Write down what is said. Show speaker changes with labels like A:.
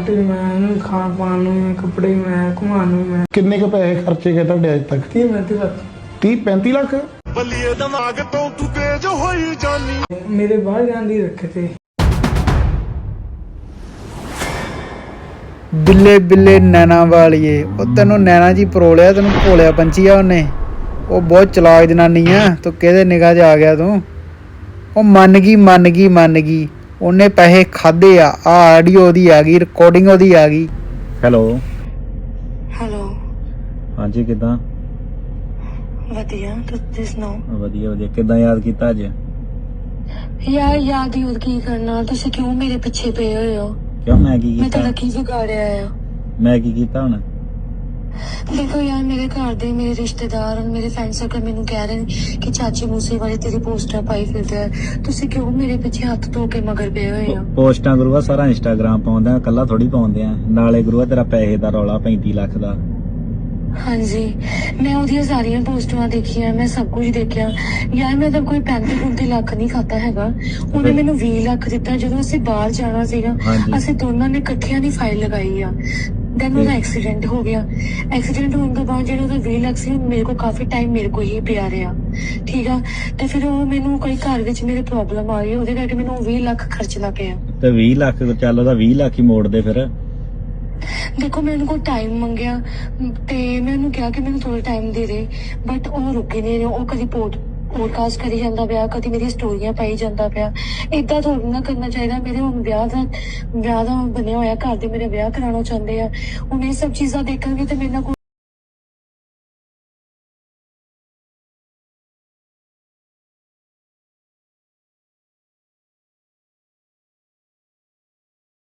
A: ਰੋਟੀ ਮੈਂ ਖਾਣ ਪਾਣ ਨੂੰ ਮੈਂ ਕੱਪੜੇ ਮੈਂ ਘੁਮਾਉਣ ਨੂੰ ਮੈਂ
B: ਕਿੰਨੇ ਕੁ ਪੈਸੇ ਖਰਚੇ ਗਏ ਤੁਹਾਡੇ ਅੱਜ ਤੱਕ? 30-35 ਲੱਖ।
C: ਬੱਲੀਏ ਦਿਮਾਗ ਤੋਂ ਤੂੰ ਤੇਜ ਹੋਈ ਜਾਨੀ
A: ਮੇਰੇ ਬਾਹਰ ਜਾਣ ਦੀ ਰੱਖੇ ਤੇ।
D: ਬਿੱਲੇ ਬਿੱਲੇ ਨੈਣਾ ਵਾਲੀਏ, ਉਹ ਤੈਨੂੰ ਨੈਣਾ ਜੀ ਪਰੋਲਿਆ, ਤੈਨੂੰ ਭੋਲਿਆ ਪੰਛੀ ਆ ਉਹਨੇ। ਉਹ ਬਹੁਤ ਚਲਾਕ ਜਨਾਨੀ ਆ, ਤੂੰ ਕਿਹਦੇ ਨਿਗਾਹ 'ਚ ਆ ਗਿਆ ਤੂੰ? ਉਹ ਮੰਨ ਗਈ ਉਹਨੇ ਪੈਸੇ ਖਾਦੇ ਆ। ਆਡੀਓ ਉਹਦੀ ਆ ਗਈ, ਰਿਕਾਰਡਿੰਗ ਉਹਦੀ ਆ ਗਈ।
E: ਹੈਲੋ
F: ਹੈਲੋ,
E: ਹਾਂਜੀ ਕਿੱਦਾਂ?
F: ਵਧੀਆ, ਤੁਸੀਂ ਸੁਣਾਓ?
E: ਵਧੀਆ ਕਿੱਦਾਂ ਯਾਦ ਕੀਤਾ ਅੱਜ?
F: ਯਾਰ ਯਾਦ ਹੀ ਕੀ ਕਰਨਾ, ਤੁਸੀਂ ਕਿਉਂ ਮੇਰੇ ਪਿੱਛੇ ਪਏ ਹੋਏ ਹੋ?
E: ਕਿਉਂ ਮੈਂ ਕੀ
F: ਮੈਂ
E: ਕੀਤਾ?
F: ਤਾਂ ਕੀ ਵਿਗਾੜਿਆ ਆ?
E: ਮੈਂ ਕੀ ਕੀਤਾ ਹੁਣ?
F: ਦੇਖੋ ਯਾਰ, ਮੇਰੇ ਘਰ ਦੇ, ਮੇਰੇ ਰਿਸ਼ਤੇਦਾਰ ਔਰ ਮੇਰੇ ਫਰੈਂਡ ਸਰਕਲ ਮੈਨੂੰ ਕਹਿ ਰਹੇ ਨੇ ਕਿ ਚਾਚੀ ਮੂਸੇ ਵਾਲੀ ਤੇਰੀ ਪੋਸਟਰ ਪਾਈ ਫਿਰਦਾ ਹੈ। ਤੁਸੀਂ ਕਿਉਂ ਮੇਰੇ ਪਿੱਛੇ ਹੱਥ ਧੋ ਕੇ ਮਗਰ ਪਏ ਹੋਏ ਹੋ?
E: ਪੋਸਟਾਂ ਗੁਰੂਆ ਸਾਰਾ ਇੰਸਟਾਗ੍ਰਾਮ ਪਾਉਂਦੇ ਆ, ਕੱਲਾ ਥੋੜੀ ਪਾਉਂਦੇ ਆ। ਨਾਲੇ ਗੁਰੂਆ ਤੇਰਾ ਪੈਸੇ ਦਾ ਰੌਲਾ 35 ਲੱਖ ਦਾ।
F: ਹਾਂਜੀ, ਮੈਂ ਉਹਦੀਆਂ ਸਾਰੀਆਂ ਪੋਸਟਾਂ ਦੇਖੀਆਂ, ਮੈਂ ਸਭ ਕੁਝ ਦੇਖਿਆ ਯਾਰ। ਮੈਂ ਤਾਂ ਕੋਈ 35 ਲੱਖ ਨਹੀਂ ਖਾਤਾ ਹੈਗਾ। ਉਹਨੇ ਮੈਨੂੰ 20 ਲੱਖ ਦਿੱਤਾ ਜਦੋਂ ਅਸੀਂ ਬਾਹਰ ਜਾਣਾ ਸੀਗਾ। ਅਸੀਂ ਦੋਨਾਂ ਨੇ ਇਕੱਠਿਆਂ ਦੀ ਫਾਈਲ ਲਗਾਈ ਆ। ਦੈਨ ਉਹਦਾ ਐਕਸੀਡੈਂਟ ਹੋ ਗਿਆ। ਐਕਸੀਡੈਂਟ ਹੋਣ ਤੋਂ ਬਾਅਦ ਜਿਹੜਾ ਉਹਦਾ 20 ਲੱਖ ਸੀ, ਮੇਰੇ ਕੋਲ ਕਾਫੀ ਟਾਈਮ ਮੇਰੇ ਕੋਲ ਹੀ ਪਿਆ ਰਿਹਾ, ਠੀਕ ਆ। ਤੇ ਫਿਰ ਉਹ ਮੈਨੂੰ ਕੋਈ ਘਰ ਵਿੱਚ ਮੇਰੇ ਪ੍ਰੋਬਲਮ ਆ ਗਈ, ਉਹਦੇ ਕਰਕੇ ਮੈਨੂੰ 20 ਲੱਖ ਖਰਚਣਾ ਪਿਆ।
E: ਤੇ 20 ਲੱਖ ਚੱਲ, ਉਹਦਾ 20 ਲੱਖ ਹੀ ਮੋੜ ਦੇ ਫਿਰ।
F: ਦੇਖੋ, ਮੈਂ ਉਹਨੂੰ ਕੋਲ ਟਾਈਮ ਮੰਗਿਆ ਤੇ ਮੈਂ ਉਹਨੂੰ ਕਿਹਾ ਕਿ ਮੈਨੂੰ ਥੋੜਾ ਟਾਈਮ ਦੇ ਦੇ, ਬਟ ਉਹ ਰੁਕੇ ਨਹੀਂ ਰਿਹਾ। ਉਹ ਕਦੀ ਪੋਡਕਾਸਟ ਕਰੀ ਜਾਂਦਾ ਪਿਆ, ਕਦੀ ਮੇਰੀ ਸਟੋਰੀਆਂ ਪਾਈ ਜਾਂਦਾ ਪਿਆ। ਏਦਾਂ ਥੋੜ੍ਹਾ ਨਾ ਕਰਨਾ ਚਾਹੀਦਾ। ਮੇਰੇ ਹੁਣ ਵਿਆਹ ਦਾ ਬਣਿਆ ਹੋਇਆ, ਘਰ ਦੇ ਮੇਰੇ ਵਿਆਹ ਕਰਾਉਣਾ ਚਾਹੁੰਦੇ ਆ। ਹੁਣ ਇਹ ਸਭ ਚੀਜ਼ਾਂ ਦੇਖਣਗੇ ਤੇ ਮੇਰੇ ਨਾਲ